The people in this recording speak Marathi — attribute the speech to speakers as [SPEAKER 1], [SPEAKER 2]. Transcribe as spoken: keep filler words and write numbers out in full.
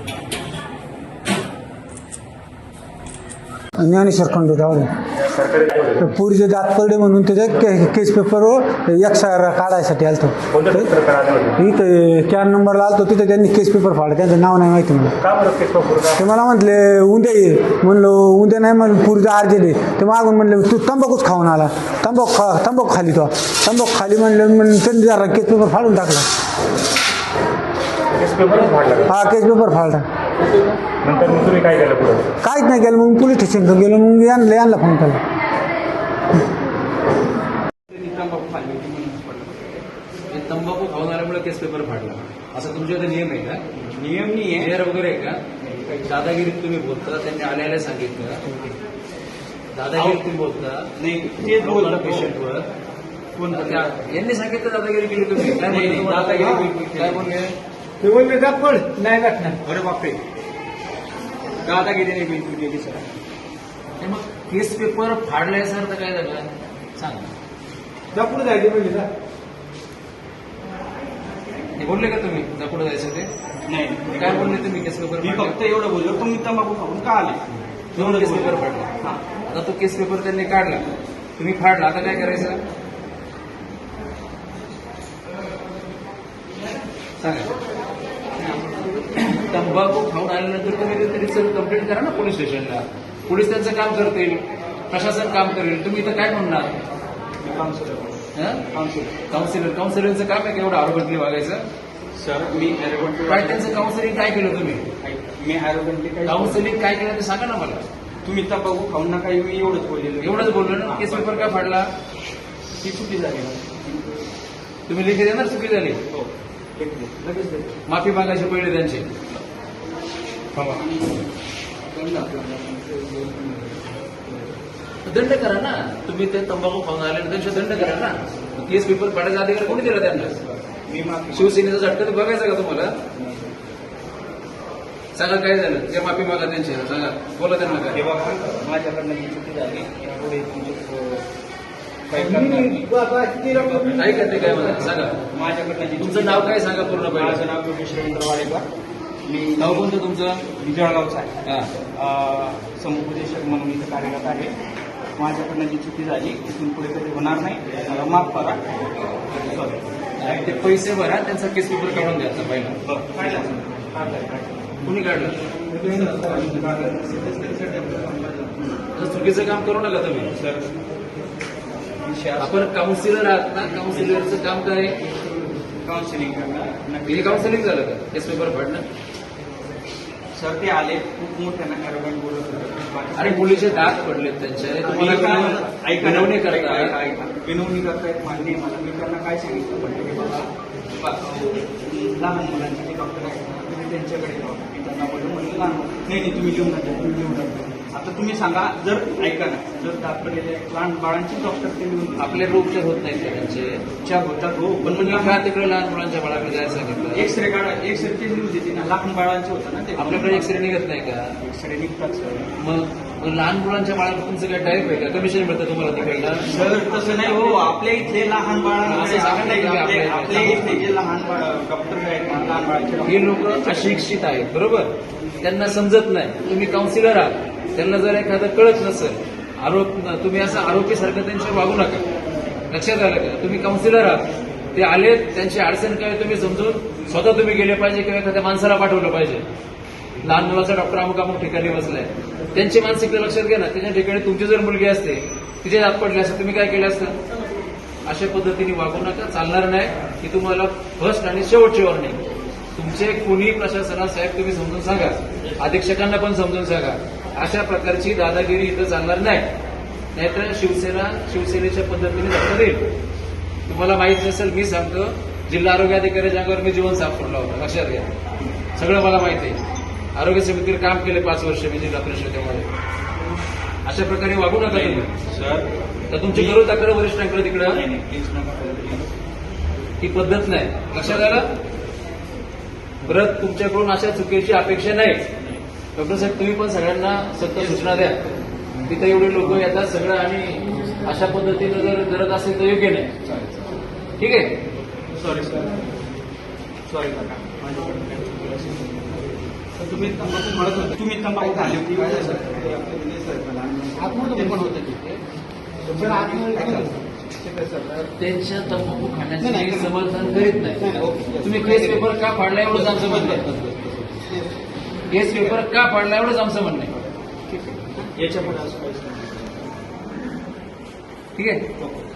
[SPEAKER 1] ज्ञानेश्वर खंडू जावळे पुरीचे दात पडले म्हणून त्याच्या के केस पेपरवर एक्स आर काढायसाठी आलतो. इथं कॅन नंबरला आलतो तिथे त्यांनी केस पेपर फाडला. त्यांचं नाव नाही माहिती मला. ते मला म्हटले उद्या ये. म्हणलो उद्या नाही म्हणलं पुरीचा अर्जंट आहे. ते मागून म्हणले तू तंबाखूच खाऊन आला. तंबाखू खा तंबाखू खाली तो तंबाखू खाली म्हणलं म्हणून त्यांनी जरा केस पेपर फाडून टाकला. हा केस पेपर फाडला.
[SPEAKER 2] नंतर मग तुम्ही काय केलं पुढे?
[SPEAKER 1] काहीच नाही केलं. मग पोलीस स्टेशनला गेलो. मग यांना यांना फोन केला.
[SPEAKER 3] तंबाखू खाऊन आल्यामुळे केस पेपर फाडला असा तुमच्याकडे नियम आहे का?
[SPEAKER 2] नियम नाही आहे.
[SPEAKER 3] क्लिअर वगैरे आहे का? दादागिरीत तुम्ही बोलता. त्यांनी आल्याला सांगितलं दादागिरीत तुम्ही बोलता.
[SPEAKER 2] नाही ते बोलला
[SPEAKER 3] पेशंटवर कोण यांनी सांगितलं दादागिरी केली तुम्ही. काय बोलले? दादागिरी काय बोलले?
[SPEAKER 2] ते बोलले दाखवड नाही गाठणार. अरे बापरे दादागिरीने बिलकुल केली सर.
[SPEAKER 3] मग केस पेपर फाडलाय सर तर काय झालं सांग.
[SPEAKER 2] जा पुढे जायचे म्हणजे जा.
[SPEAKER 3] हे बोलले का तुम्ही जा पुढे जायचं ते?
[SPEAKER 2] नाही
[SPEAKER 3] काय बोलले तुम्ही केस पेपर?
[SPEAKER 2] मी फक्त एवढं बोललो तुम्ही तंबाखू खाऊन का आले.
[SPEAKER 3] दोन केस पेपर फाडला. आता तो केस पेपर त्यांनी काढला तुम्ही फाडला. आता काय करायचं सांगा. तंबाखू खाऊन आल्यानंतर तुम्ही तरी कंप्लेंट करा ना पोलीस स्टेशनला. पोलीस त्यांचं काम करतील. प्रशासन काम करेल. तुम्ही इथं काय म्हणणार? काउन्सिलर काउन्सिलरचं काम आहे का एवढं आरोग्यातली वागायचं?
[SPEAKER 2] सर मी
[SPEAKER 3] काय त्यांचं काउन्सिलिंग काय केलं तुम्ही?
[SPEAKER 2] मी आरोग्य
[SPEAKER 3] काउन्सिलिंग काय केलं ते सांगा ना मला.
[SPEAKER 2] तुम्ही तंबाखू खाऊन नका मी एवढंच बोललेलो.
[SPEAKER 3] एवढंच बोललो ना. केस पेपर का फाडला?
[SPEAKER 2] ती चुकी झाली.
[SPEAKER 3] तुम्ही लिखी देणार चुकी झाली.
[SPEAKER 2] हो लगेच दे.
[SPEAKER 3] माफी मागायची पहिले त्यांची. दंड करा ना. तुम्ही ते तंबाखू खाऊन आल्यानंतर दंड करा ना. केस पेपर फाडायचा अधिकार कोणी दिला त्यांना?
[SPEAKER 2] मी माफी
[SPEAKER 3] शिवसेनेचा झटका तर बघायचा का तुम्हाला? सांगा काय झालं. ते माफी मागा त्यांची. सांगा बोला त्यांना काय.
[SPEAKER 2] हे बघा माझ्याकडनं जी चुकी झाली यापुढे तुमचे काही करणार नाही.
[SPEAKER 3] ऐका ते काय म्हणा सांगा.
[SPEAKER 2] माझ्याकडनं जी
[SPEAKER 3] तुमचं नाव काय सांगा पूर्ण
[SPEAKER 2] माझं
[SPEAKER 3] पाहिजे.
[SPEAKER 2] नाव योगेश रवींद्र वाडेकर. मी
[SPEAKER 3] नाव कोणतं तुमचं?
[SPEAKER 2] मी जळगावचा आहे.
[SPEAKER 3] हा
[SPEAKER 2] अं, समुपदेशक म्हणून इथं कार्यरत आहे. माझ्याकडनं जी चुकी झाली तिथून पुढे कधी होणार नाही. मला माफ करा. सॉरी.
[SPEAKER 3] ते पैसे भरा. त्यांचा केस पेपर काढून द्यायचा पहिला. कुणी काढलं? चुकीचं काम करू नका तुम्ही.
[SPEAKER 2] सर
[SPEAKER 3] आपण काउन्सिलर आहात ना. काउन्सिलरचं काम काय?
[SPEAKER 2] काउन्सिलिंग करणार.
[SPEAKER 3] हे काउन्सिलिंग झालं का केस पेपर फाडणं?
[SPEAKER 2] सर ते आले खूप मोठ्या अॅरोगंट बोलत होते.
[SPEAKER 3] आणि मुलीचे दात पडलेत त्यांचे. तुम्हाला विनवणी करता.
[SPEAKER 2] विनवणी करतायत मान्य मला. मी त्यांना काय सांगितलं म्हटलं की बाबा लहान मुलांचे जे डॉक्टर आहेत तुम्ही त्यांच्याकडे जाऊ. मी त्यांना बोललो म्हणजे लहान नाही नाही तुम्ही लिहून नका तुम्ही लिहून नका. आता तुम्ही सांगा जर ऐका ना जर दात पडलेले लहान बाळांचे डॉक्टर ते लिहून
[SPEAKER 3] आपले रोग उपचार होत नाहीत का त्यांचे?
[SPEAKER 2] उपचार होतात हो
[SPEAKER 3] पण म्हणजे का तिकडे लहान मुलांच्या बाळाकडे जायला सांगितलं?
[SPEAKER 2] एक्सरे काढा. एक्सरे ते लिहून देते ना. लहान बाळांचे होतं ना ते.
[SPEAKER 3] आपल्याकडे एक्सरे निघत नाही का?
[SPEAKER 2] एक्सरे निघतात सर.
[SPEAKER 3] मग मग लहान मुलांच्या बाळाकडे तुमचं काय टाईप आहे का? कमिशन मिळतं तुम्हाला तिकडला?
[SPEAKER 2] सर तसं नाही हो. आपल्या इथले लहान बाळांना
[SPEAKER 3] असं सांगा ना तुम्ही
[SPEAKER 2] आपले
[SPEAKER 3] आपल्या-
[SPEAKER 2] आपल्या इथले जे लहान बाळ डॉक्टर आहेत ना लहान बाळांचे
[SPEAKER 3] हे लोक अशिक्षित आहेत बरोबर. त्यांना समजत नाही. तुम्ही काउन्सिलर आहात. त्यांना जर एखादं कळत नसेल आरोप तुम्ही असं आरोपीसारखं त्यांच्यावर वागू नका. लक्षात आलं का? तुम्ही काउन्सिलर आहात. ते आले त्यांची अडचण काय तुम्ही समजून स्वतः तुम्ही गेले पाहिजे किंवा एखाद्या माणसाला पाठवलं पाहिजे. लहान मुलाचा डॉक्टर अमुक अमुक ठिकाणी बसलाय. त्यांची मानसिकता लक्षात घ्या ना. त्याच्या ठिकाणी तुमची जर मुलगी असते तिचे दात पडले असते तुम्ही काय केलं असतं? अशा पद्धतीने वागू नका. चालणार नाही. की तुम्हाला फर्स्ट आणि शेवटची वॉर्निंग. तुमचे कुणी प्रशासनात साहेब तुम्ही समजून सांगा. अधीक्षकांना पण समजून सांगा. अशा प्रकारची दादागिरी इथं चालणार नाही. नाहीतर शिवसेना शिवसेनेच्या पद्धतीने धक्का देईल. तुम्हाला माहित नसेल मी सांगतो जिल्हा आरोग्य अधिकाऱ्याच्या अंगावर मी जीवन साफ सोडला होता. लक्षात घ्या. सगळं मला माहिती आहे. आरोग्य समितीवर काम केले पाच वर्ष मी जिल्हा परिषदेमध्ये. अशा प्रकारे वागू नका तुम्ही.
[SPEAKER 2] सर
[SPEAKER 3] तर तुमची करू तक्रार वरिष्ठांकडे तिकडं.
[SPEAKER 2] प्लीज नका.
[SPEAKER 3] ही पद्धत नाही. लक्षात आलं? परत तुमच्याकडून अशा चुकीची अपेक्षा नाही. डॉक्टर साहेब तुम्ही पण सगळ्यांना सत्य सूचना द्या. तिथे एवढे लोक येतात सगळं आणि अशा पद्धतीनं जर करत असेल तर योग्य नाही. ठीक आहे.
[SPEAKER 2] Sorry sir. सॉरी काका माझ्याकडून काही चुकलं असेल. तर तुम्ही तंबाखू म्हणत होते, तुम्ही तंबाखू खाल्ली होती काय झालं? आतमध्ये पण होतं तिथे.
[SPEAKER 3] त्यांच्या तंबाखू खाण्याचे मी समर्थन करीत
[SPEAKER 2] नाही,
[SPEAKER 3] नाही.
[SPEAKER 2] नाही, ओके.
[SPEAKER 3] तुम्ही केस पेपर का फाडला एवढंच आमचं म्हणणं आहे. केस पेपर का फाडला एवढंच आमचं म्हणणं आहे.
[SPEAKER 2] ठीक आहे. याच्या पुढे असं काहीच नाही.
[SPEAKER 3] ठीक आहे.